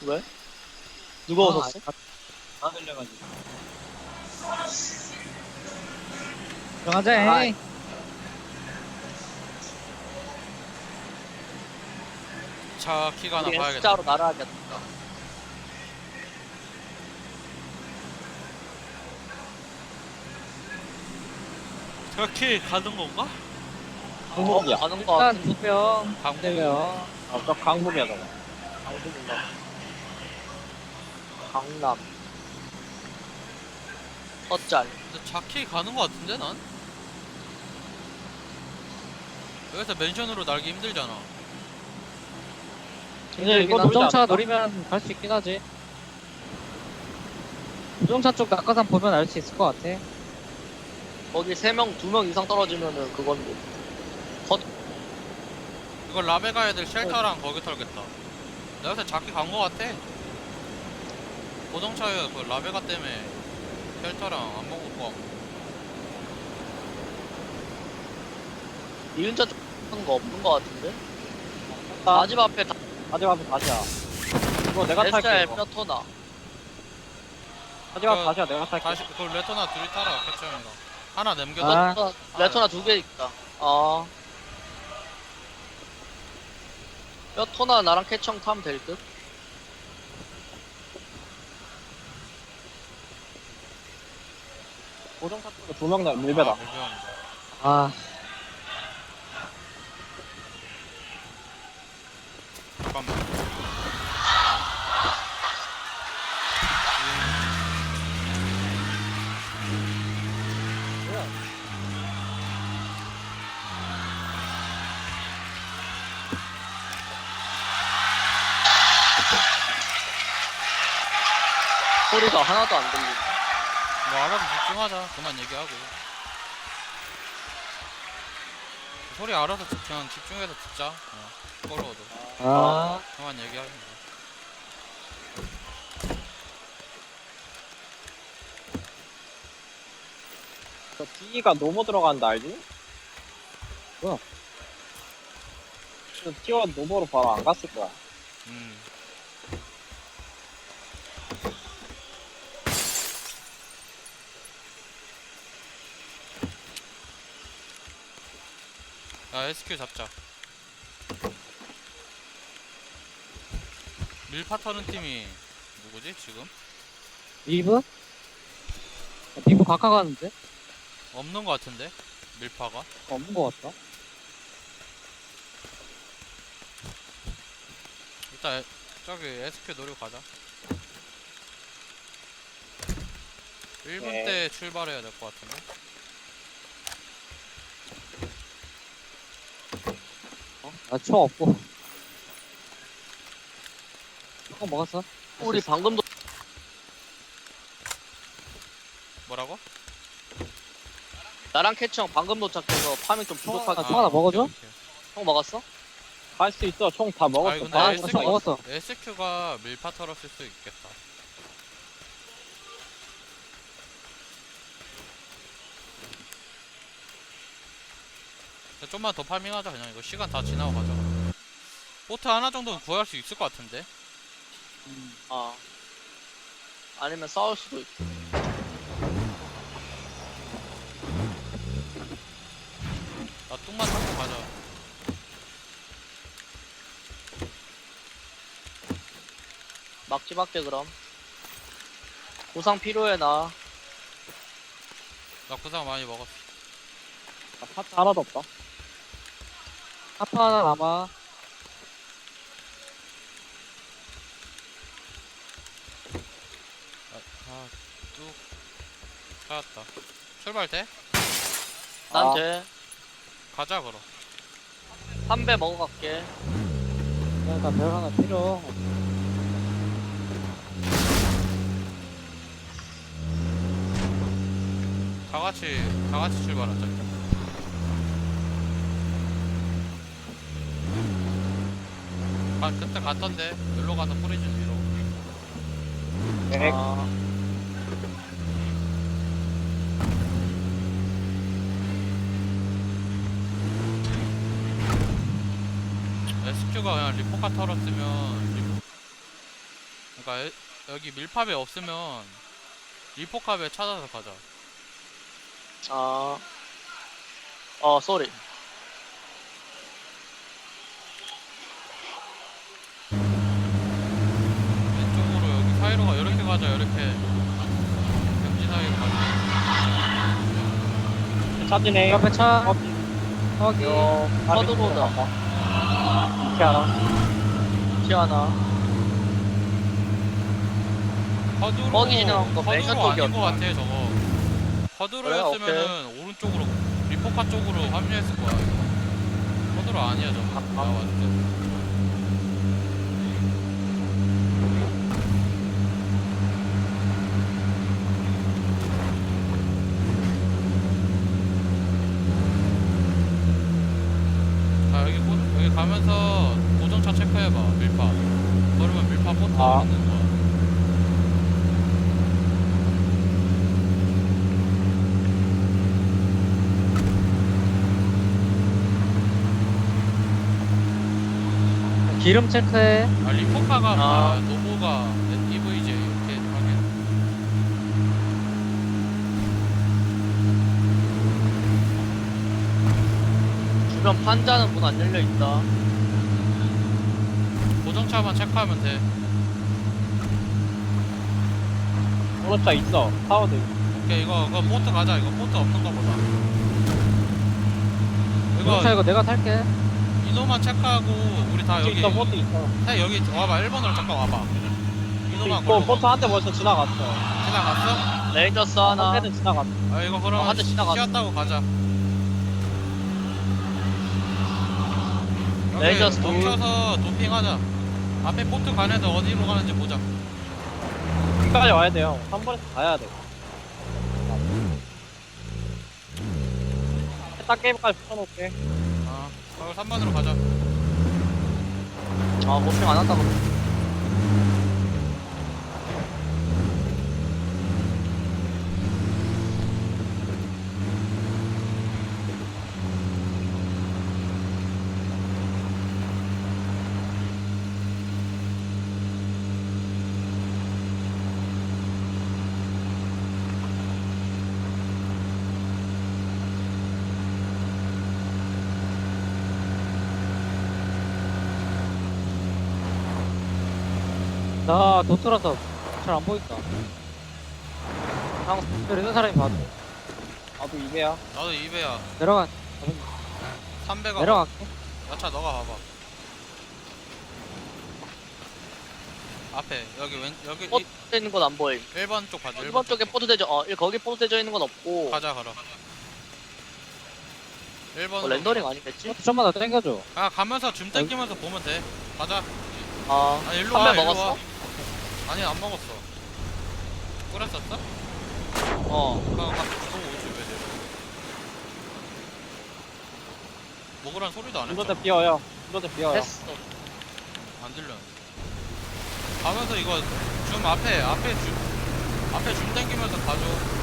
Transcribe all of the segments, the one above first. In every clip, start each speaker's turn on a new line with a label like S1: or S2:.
S1: 왜? 누가 웃었어?
S2: 다 들려가지고.
S3: 들어가자.
S1: 아,
S3: 에이.
S4: 차 키가 하나
S1: 우리
S4: 봐야겠다.
S1: S자로 날아야겠다.
S4: 차 키 가는 건가?
S2: 강북이야.
S1: 가는 거
S3: 일단
S1: 같은데.
S3: 2명.
S4: 강북.
S3: 네명.
S2: 저 강북이야, 저거.
S1: 강북인가? 강남. 헛잘.
S4: 근데 차 키 가는 거 같은데 난? 여기서 맨션으로 날기 힘들잖아.
S2: 근데 이거 놀지
S3: 우정차
S2: 않을까?
S3: 노리면 갈 수 있긴 하지. 우정차 쪽 낙하산 보면 알 수 있을 것 같아.
S1: 거기 3명, 2명 이상 떨어지면은 그건 뭐.
S4: 이걸 라베 가야 될 쉘터랑 거기 털겠다. 내가 요새 작게 간 거 같아. 고정차에 그 라베가 때문에 쉘터랑 안 먹을 거 같고.
S1: 이은자 쪽 하는 거 없는 거 같은데?
S2: 나
S1: 마집 앞에 다
S2: 마지막에 다시야. 이거 내가 탈게.
S1: SR
S2: 이거.
S1: 뼈토나.
S2: 마지막
S4: 그-
S2: 다시야, 내가 탈게.
S4: 다시 그 레토나 둘이 타라 캐처형이랑 하나 남겨둬.
S3: 아.
S1: 레토나 2개 있다. 아. 뼈토나 나랑 캐청 타면 될 듯?
S2: 고정차 쪽에 2명 날 밀배다.
S4: 아, 밀배합니다.
S3: 아,
S4: 잠깐만.
S1: 소리가 하나도 안 들리네.
S4: 뭐 알아서 집중하자. 그만 얘기하고. 소리 알아서 그냥 집중해서 듣자. 꺼러워도.
S3: 아,
S4: 그만 얘기하자.
S2: 저 D가 노모 들어간다, 알지?
S3: 뭐야?
S2: 저 T1 노모로 바로 안 갔을 거야.
S4: 음. 야, SQ 잡자. 밀파 터는 팀이 누구지 지금?
S3: 리브? 리브 각하 가는데?
S4: 없는 것 같은데 밀파가.
S3: 없는 것 같다.
S4: 일단 저기 SQ 노리고 가자. 1분
S2: 네.
S4: 때 출발해야 될 것 같은데.
S3: 나 총 없고. 총 먹었어?
S1: 우리 방금도
S4: 뭐라고?
S1: 나랑 캐청 방금 도착해서 파밍 좀 부족하게.
S3: 총 하나 먹어줘?
S4: 오케이, 오케이.
S1: 형 먹었어?
S2: 갈 수 있어, 총 다 먹었어.
S4: 아니, 근데
S2: 다
S4: SQ
S3: 총 먹었어.
S4: SQ가 밀파 털었을 수 있겠다. 좀만 더 파밍하자. 그냥 이거 시간 다 지나고 가자. 보트 하나 정도는 구할 수 있을 것 같은데.
S1: 아. 아니면 싸울 수도 있고.
S4: 나 뚱만 타고 가자.
S1: 막지 밖에 그럼. 보상 필요해 나.
S4: 나 구상 많이 먹었어.
S2: 나 파츠 하나도 없다.
S3: 하파 하나 남아.
S4: 뚝 찾았다. 출발 돼?
S1: 난
S2: 아.
S1: 돼.
S4: 가자 그럼.
S1: 3배 먹어갈게.
S3: 나별 하나 필요.
S4: 다 같이 출발하자. 그때 갔던데. 놀러 가서 프리즌 위로.
S2: 네.
S1: 아.
S4: SQ가 그냥 리포카 털었으면 그러니까 여기 밀팝에 없으면 리포캅에 찾아서 가자.
S1: 쏘리.
S4: 왼쪽으로 여기 사이로 가. 이렇게 가자. 이렇게 경지 사이로 가자.
S2: 차지네.
S3: 옆에 차
S2: 어,
S3: 거기
S1: 서드보다.
S2: 이렇게 하나.
S1: 티아나.
S4: 허드로
S1: 거기 지나간 거 맨
S4: 허드로 아닌 거
S1: 끝쪽이었다.
S4: 같아 저거. 허드로였으면은 오른쪽으로 리포카 쪽으로 합류했을 거야. 허드로 아니야 저거. 나 왔을 때. 자 여기 가면서 고정차 체크해봐. 밀파. 그러면 밀파 포트 있는 거야.
S3: 기름 체크해.
S4: 리포카가
S1: 아.
S4: 노보가 EVJ 이렇게 하긴.
S1: 주변 판자는 문 안 열려 있다.
S4: 고정차만 체크하면 돼.
S2: 오른차 있어. 파워드.
S4: 오케이 이거 포트 가자. 이거 포트 없는 거 보자.
S3: 차
S4: 이거
S3: 이거 내가 탈게.
S4: 이노만 체크하고 우리 다 여기
S2: 있어. 포트 있어.
S4: 다 여기 와봐. 1번으로 잠깐 와봐. 이노만
S2: 있고
S4: 걸고
S2: 포트 한 대 벌써 지나갔어.
S4: 지나갔어?
S1: 레이저스 하나.
S2: 한 대는 지나갔어.
S4: 아 이거 그럼
S1: 한 대 지나갔어.
S4: 쉬었다고 가자.
S1: 레이저스
S4: 여기 멈춰서 도핑하자. 앞에 포트 가는 애들 어디로 가는지 보자.
S2: 여기까지 와야 돼요. 3번에서 가야 돼. 딱 게임까지 붙여놓을게.
S4: 아 그럼 3번으로 가자.
S1: 모핑 안 한다고.
S3: 나 도트라서 잘 안 보인다. 있는 사람이 봐도
S2: 나도 2배야.
S4: 나도 2배야.
S3: 내려가.
S4: 3배가
S3: 내려갈게.
S4: 야차 너가 봐봐. 앞에 여기 여기
S1: 포트 돼 있는 건 안 보임.
S4: 1번 쪽 봐줘.
S1: 1번 쪽에 포트 대져, 거기 포트 대져 있는 건 없고.
S4: 가자 걸어. 1번
S1: 렌더링 아니겠지?
S3: 좀만 더 당겨줘.
S4: 아 가면서 줌 땡기면서 보면 돼. 가자.
S1: 아,
S4: 아니 일로 와.
S1: 선배
S4: 일로
S1: 먹었어?
S4: 와. 아니 안 먹었어. 끓였었어? 그럼 갖고 오지 왜 내려? 먹으란 소리도 안 했어.
S2: 운전대 비어요. 운전대 비어요.
S1: 했어.
S4: 안 들려. 가면서 이거 줌 앞에 줌 땡기면서 가줘.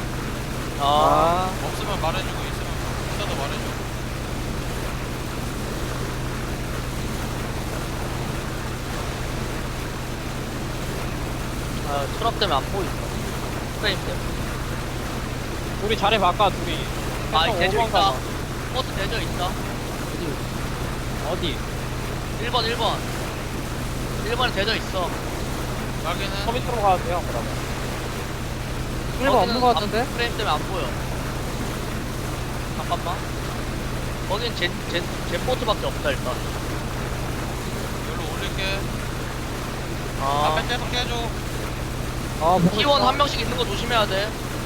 S4: 없으면 말해주고 있어도 말해줘.
S1: 트럭 때문에 안 보이죠. 프레임 때문에.
S2: 우리 자리 바꿔, 둘이.
S1: 이 대져
S2: 5번
S1: 있다.
S2: 가자.
S1: 포트 대져 있다.
S2: 어디?
S1: 1번. 1번에 대져 있어.
S4: 여기는
S2: 서비스로 가도 돼요, 그러면.
S3: 1번 없는 거 같은데?
S1: 프레임 때문에 안 보여. 잠깐만. 거긴 제 포트밖에 없다, 일단.
S4: 여기로 올릴게. 앞에 계속 깨줘.
S3: 보고
S1: T1
S3: 있어.
S1: 한 명씩 있는 거 조심해야 돼.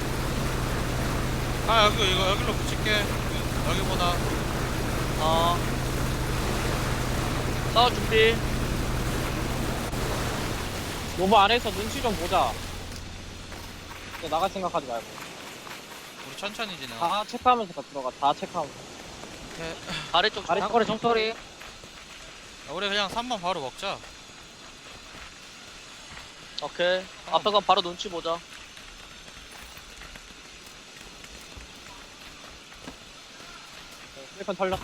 S4: 여기로 붙일게. 여기보다.
S1: 싸울 준비.
S2: 노브 안에서 눈치 좀 보자. 이제 나갈 생각하지 말고.
S4: 우리 천천히 진행.
S2: 다 체크하면서 다 들어가. 다 체크하면서.
S1: 아래쪽
S2: 아래-
S3: 장거리 총소리.
S4: 우리 그냥 3번 바로 먹자.
S1: 오케이. 앞에 건 바로 눈치 보자.
S2: 실컷 털렸.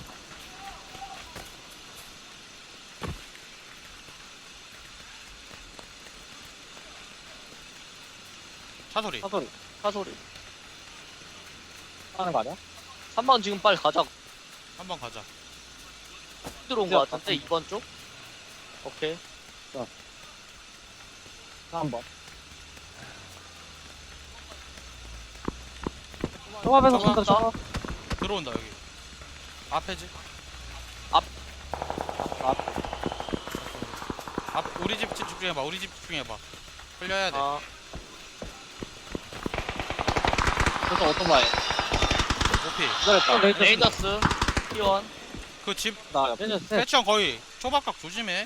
S4: 차 소리.
S2: 사소리
S1: 차 소리.
S2: 하는 거 아니야?
S1: 3번 지금 빨리 가자.
S4: 한번 가자.
S1: 들어온 거 같은데 2번 쪽? 오케이.
S2: 한번
S3: 조합에서
S4: 조합
S3: 쏜다 조합.
S4: 들어온다 여기. 앞에지.
S1: 앞.
S4: 앞 우리 집 집중해봐. 우리 집 집중해봐. 흘려야 돼.
S1: 아,
S2: 그래서 오토바이
S4: 오피.
S2: 기다렸다
S1: 레이더스 T1.
S4: 그 집
S2: 나 옆에
S3: 레인저 셋.
S4: 패치형 거의 초밥각 조심해.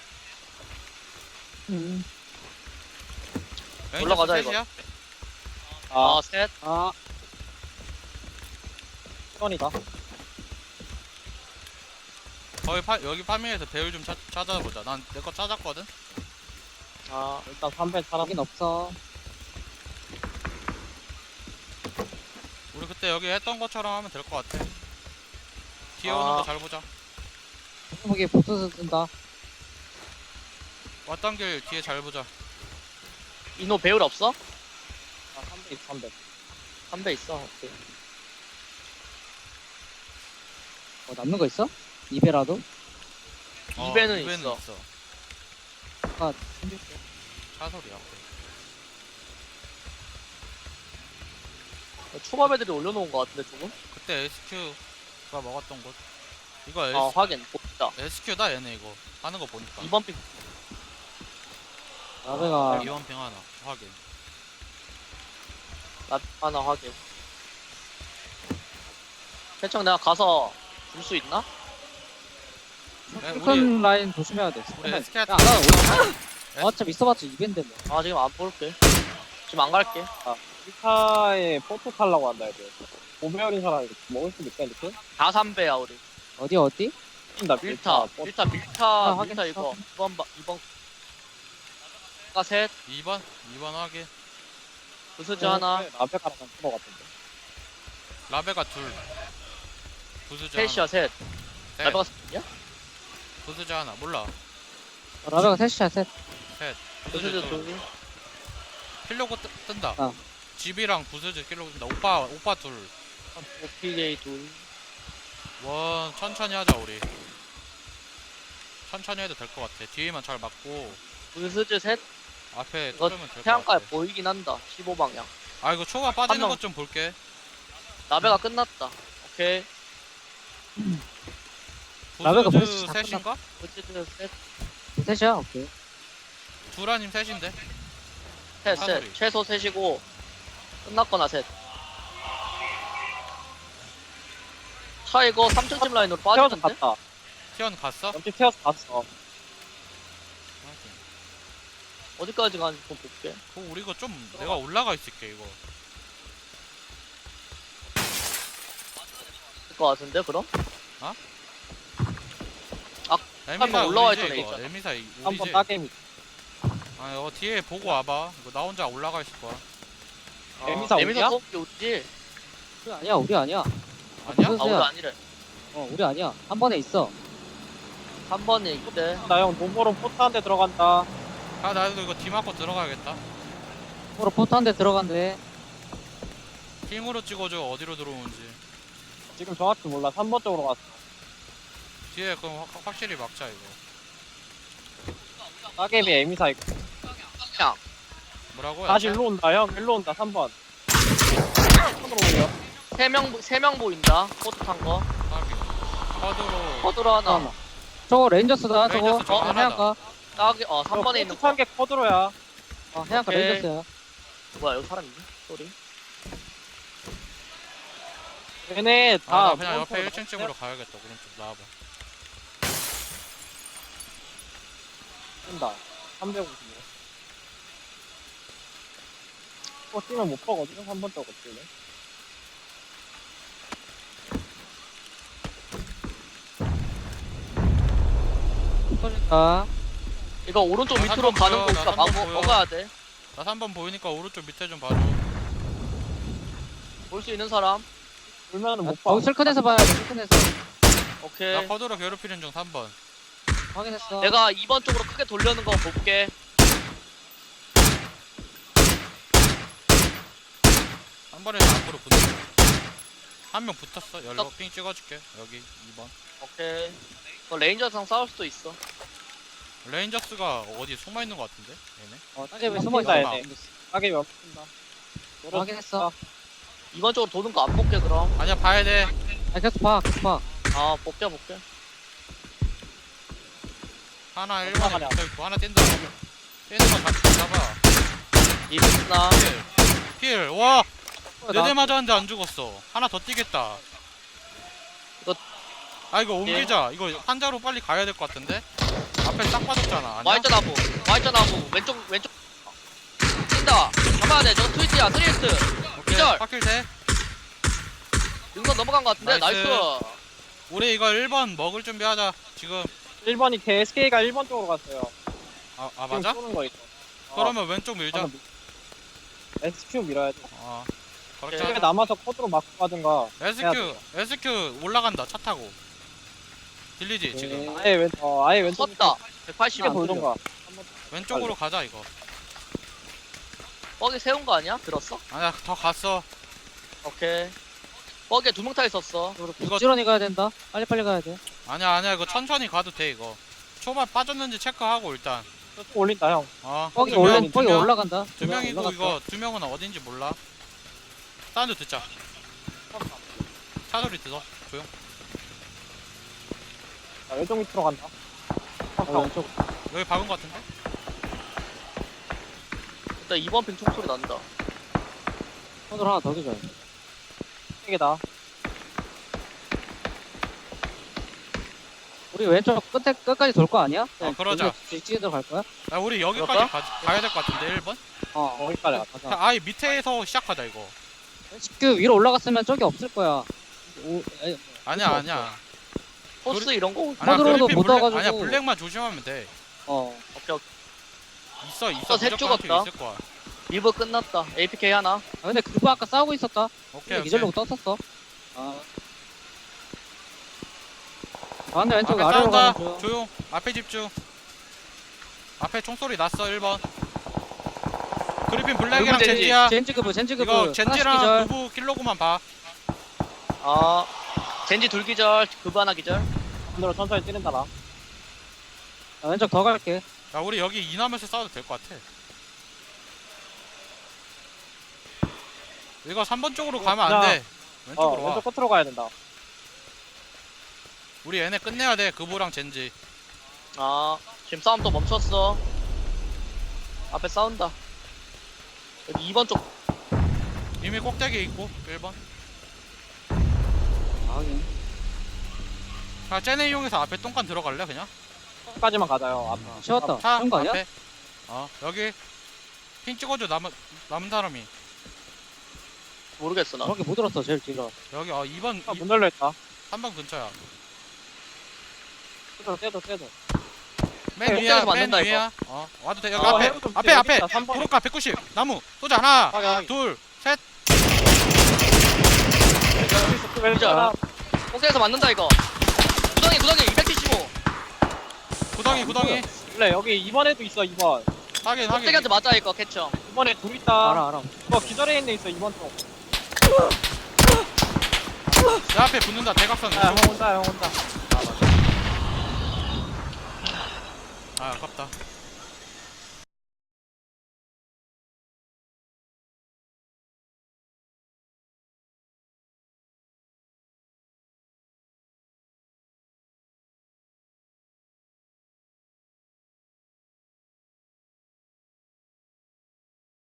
S1: 올라가자, 이거.
S4: 셋이야?
S2: 아
S1: 셋.
S3: 아
S2: T1이다
S4: 거의 여기 파밍에서 배율 좀 찾아보자. 난 내 거 찾았거든.
S1: 아,
S2: 일단 3배 사람
S3: 여긴 없어.
S4: 우리 그때 여기 했던 것처럼 하면 될 것 같아. 뒤에 오는
S1: 아.
S4: 거 잘 보자.
S3: 거기 보트 뜬다.
S4: 왔던 길 뒤에 잘 보자.
S1: 이노 배율 없어?
S2: 아 3배 있어 3배
S1: 3배 있어. 오케이.
S3: 남는 거 있어? 2배라도?
S1: 이배는 있어.
S3: 아
S4: 차 소리야.
S1: 초밥 애들이 올려놓은 거 같은데 조금?
S4: 그때 SQ가 먹었던 곳. 이거
S1: 아, 확인. 보자.
S4: SQ다 얘네 이거. 하는 거 보니까.
S1: 2번 픽.
S3: 나베가
S4: 이원핑 하나 확인.
S1: 나 하나 확인. 대충 내가 가서 줄 수 있나?
S4: 우리
S3: 큰 라인 조심해야 돼.
S4: 우리
S3: 야,
S4: SK
S3: 안 가면 어차피 있어봤자 2배인데 뭐.
S1: 아, 지금 안 볼게. 지금 안 갈게.
S2: 1차에 포트 타려고 한다 애들 5배열인 사람이 먹을 수도 있다 이렇게?
S1: 다 3배야, 우리.
S3: 어디?
S2: 뛴다
S1: 밀타.
S2: 포트.
S1: 밀타, 밀타,
S3: 아,
S1: 밀타
S3: 확인했어.
S1: 이거. 2번. 가 셋.
S4: 2번 확인.
S1: 부스즈 하나.
S2: 앞에 가는 건 그거 같은데
S4: 라베가 둘. 부수자
S1: 셋이야,
S4: 하나.
S1: 셋.
S4: 셋.
S1: 나베가 셋이야?
S4: 부수자 하나. 몰라.
S3: 라베가 셋이야 셋.
S1: 부스즈
S4: 부수자 둘.
S1: 둘.
S4: 킬로고 뜬다.
S3: 아.
S4: 집이랑 부수자 킬로고 뜬다. 오빠 둘.
S1: 오피게이 둘.
S4: 원 천천히 하자 우리. 천천히 해도 될 것 같아. 뒤에만 잘 맞고
S1: 부스즈 셋.
S4: 앞에
S1: 이거
S4: 뚫으면 될 것
S1: 태양가에
S4: 같아.
S1: 보이긴 한다. 15방향.
S4: 아 이거 초가 빠지는
S1: 명.
S4: 것 좀 볼게.
S1: 나베가 끝났다. 오케이.
S3: 라베가
S4: 부수즈
S3: 벌써 다
S4: 셋인가?
S1: 부스즈 셋.
S3: 셋이야 오케이.
S4: 둘 아님 셋인데.
S1: 셋,
S4: 사거리.
S1: 셋. 최소 셋이고 끝났거나 셋. 차 이거 3층 집 라인으로
S2: 태워서
S1: 빠지는데?
S2: 갔다
S4: 티언 갔어?
S2: 옆집 태워서 갔어
S1: 어디까지 가는지 좀 볼게.
S4: 우리 이거 좀 내가 올라가 있을게 이거.
S1: 될 것 같은데 그럼?
S4: 에미사
S1: 올라와
S4: 우리지,
S1: 있던 애
S4: 이거.
S1: 있잖아.
S4: 에미사
S2: 한번
S4: 우리지.
S2: 따개미
S4: 아 이거 뒤에 보고 와봐. 이거 나 혼자 올라가 있을 거야.
S2: 에미사 우리야?
S1: 쏘기 우리지?
S3: 우리 아니야.
S4: 아니야?
S3: 무슨-
S1: 아 우리
S3: 야.
S1: 아니래.
S3: 우리 아니야. 한 번에 있어.
S1: 3번에 있대.
S2: 나형 돈보러 포트 한 대 들어간다
S4: 아 나도 이거 뒤 맞고 들어가야겠다.
S3: 으로 포트 한 대 들어간대.
S4: 킹으로 찍어줘 어디로 들어오는지.
S2: 지금 정확히 몰라 3번 쪽으로 갔어
S4: 뒤에 그럼 확실히 막자 이거.
S2: 따개미 에미사 있고
S4: 뭐라고?
S2: 다시 일로 온다 형 일로 온다 3번 손으로 올려
S1: 3명 보인다. 코트 탄 거.
S4: 카드로
S1: 커드로 하나.
S3: 잠깐만. 저거 레인저스다 저거.
S4: 레인저스 저거 하나다.
S3: 해안가.
S1: 딱 3번에 있는 거.
S2: 게 커드로야
S3: 해안가
S1: 오케이.
S3: 레인저스야.
S1: 뭐야 여기 사람 있니? 소리.
S2: 얘네
S4: 아,
S2: 다
S4: 나 그냥 옆에
S2: 무언가
S4: 1층 쪽으로 가야겠다. 오른쪽 나와봐.
S2: 뛴다 355 뛰면 못 보거든 3번 쪽으로 뛰네
S3: 터진다.
S1: 이거 오른쪽
S4: 나
S1: 밑으로
S4: 3번
S1: 가는
S4: 보여,
S1: 거
S4: 나
S1: 우리가
S4: 3번 보여.
S1: 먹어야 돼.
S4: 나 3번 보이니까 오른쪽 밑에 좀 봐줘.
S1: 볼 수 있는 사람.
S2: 울면은 못 봐.
S3: 거기 슬큰에서 봐야 돼. 슬큰에서.
S1: 오케이.
S4: 나 커드로 괴롭히는 중 3번.
S3: 확인했어.
S1: 내가 2번 쪽으로 크게 돌려는 거 볼게.
S4: 3번에서 앞으로 붙어. 한 명 붙었어. 열로 핑 찍어줄게. 여기 2번.
S1: 오케이. 레인저랑 싸울 수도 있어.
S4: 레인저스가 어디 숨어 있는 것 같은데? 얘네.
S3: 따개 왜
S2: 숨어
S3: 숨어있어?
S2: 있다, 얘네. 가게 몇 분다.
S3: 확인했어.
S1: 이번 쪽으로 도는 거 안 볼게 그럼.
S4: 아니야 봐야 돼.
S3: 아 계속 봐 계속 봐.
S1: 아 볼게.
S4: 하나
S2: 얼마
S4: 1번에
S2: 가냐?
S4: 붙어있고 하나 뛴다. 뛰는 거 같이 잡아.
S1: 이랬나?
S4: 힐. 와.
S3: 나-
S4: 4대 맞았는데 안 죽었어. 하나 더 뛰겠다.
S1: 이거-
S4: 아 이거 옮기자. 이거 환자로 빨리 가야 될 것 같은데? 앞에 딱 빠졌잖아. 아니야?
S1: Y자 나무. 왼쪽. 뛴다. 잡아야 돼. 저거 트위치야. 트리스트.
S4: 오케이.
S1: 기절.
S4: 파킬 돼.
S1: 능선 넘어간 거 같은데.
S4: 나이스.
S1: 나이스.
S4: 우리 이거 1번 먹을 준비하자. 지금.
S2: 1번이 SK가 1번 쪽으로 갔어요.
S4: 아
S2: 지금
S4: 맞아?
S2: 쏘는 거 있어.
S4: 그러면 왼쪽 밀자.
S2: SQ 밀어야 돼.
S4: 그렇게
S1: 오케이.
S2: 집에 남아서 코드로 막고 가든가.
S4: SQ 올라간다. 차 타고. 들리지 지금?
S2: 아예 왼쪽
S1: 섰다. 180.
S2: 집에 돌던가.
S4: 왼쪽으로 가자 이거.
S1: 뻑이 세운 거 아니야? 들었어?
S4: 아니야 더 갔어.
S1: 오케이. 뻑에 2명 타 있었어.
S4: 이거
S3: 부지런히 가야 된다. 빨리빨리 가야 돼.
S4: 아니야 이거 천천히 가도 돼 이거. 초반 빠졌는지 체크하고 일단.
S2: 또 올린다 형.
S3: 뻑이
S4: 두 명,
S3: 뻑이
S4: 두 명.
S3: 올라간다.
S4: 두 명이고
S3: 올라갔어.
S4: 이거 두 명은 어딘지 몰라. 사운드 듣자. 차 소리 들어. 조용.
S2: 자, 왼쪽 밑으로 간다.
S3: 왼쪽.
S4: 여기 박은 거 같은데?
S1: 일단 2번 핑 총소리 난다.
S3: 손으로 하나 더 기줘.
S2: 세개다.
S3: 우리 왼쪽 끝까지 돌 거 아니야?
S4: 그러자.
S3: 뒤에 들어갈 거야?
S4: 야 우리 여기까지
S1: 그럴까?
S4: 가야 될 것 같은데 1번?
S2: 거기까지 갔다.
S3: 가자.
S4: 아예 밑에서 시작하자 이거.
S3: 그 위로 올라갔으면 저기 없을 거야.
S4: 아니야.
S1: 포스 이런 거.
S4: 아니야,
S3: 코드로도
S4: 그리핀
S3: 못
S4: 블랙-
S3: 와가지고.
S4: 아니야 블랙만 조심하면 돼.
S1: 오케이.
S4: 있어
S1: 셋
S4: 무조건
S1: 죽었다.
S4: 있을 거야.
S1: 리브 끝났다. APK 하나.
S3: 아, 근데 그거 아까 싸우고 있었다.
S4: 오케이.
S3: 기절로고 떴었어. 근데 왼쪽
S4: 앞에
S3: 아래로
S4: 싸운다.
S3: 가는 중.
S4: 조용. 앞에 집중. 앞에 총소리 났어 1번. 그리핀 블랙이랑
S1: 젠지.
S4: 젠지야.
S3: 젠지급부.
S4: 이거 젠지랑 누구 킬로그만 봐.
S1: 아. 젠지 둘기절. 그브 하나 기절.
S2: 반대로 천천히 뛰는다 나.
S3: 왼쪽 더 갈게.
S4: 야 우리 여기 이나면서 싸워도 될 것 같아. 이거 3번 쪽으로 가면 안 돼. 왼쪽으로 와.
S2: 왼쪽 끝으로 가야 된다.
S4: 우리 얘네 끝내야 돼. 그보랑 젠지.
S1: 아. 지금 싸움 또 멈췄어. 앞에 싸운다. 여기 2번 쪽.
S4: 이미 꼭대기에 있고 1번. 자 쟤네 이용해서 앞에 똥간 들어갈래 그냥?
S2: 끝까지만 가자요. 앞.
S3: 쉬웠다.
S4: 차
S3: 쉬운 거 아니야?
S4: 앞에. 여기 핀 찍어줘. 남은 사람이.
S1: 모르겠어 나.
S3: 저렇게 못 들었어 제일 뒤로.
S4: 여기 2번
S2: 문 열려 있다.
S4: 3번 근처야.
S2: 떼도.
S4: 맨
S1: 네,
S4: 위야.
S1: 꼭대기에서
S4: 맨
S1: 맞는다,
S4: 위야. 와도 돼. 여기
S1: 아,
S4: 앞에.
S2: 해볼 좀
S4: 앞에 앞에.
S2: 있다, 3번에.
S4: 도로가 190. 나무. 쏘자. 하나.
S2: 하게.
S4: 둘. 셋.
S1: 기절. 꼭대기에서 맞는다 이거. 구덩이 275.
S4: 구덩이.
S2: 원래 여기 2번에도 있어 2번.
S4: 확인.
S1: 꼭대기한테 맞아 이거 캐쳐.
S2: 2번에 둘 있다.
S3: 알아.
S2: 이거 기절해 있는 데 있어 2번 쪽.
S4: 내 앞에 붙는다. 대각선.
S2: 형 온다.
S4: 아 아깝다.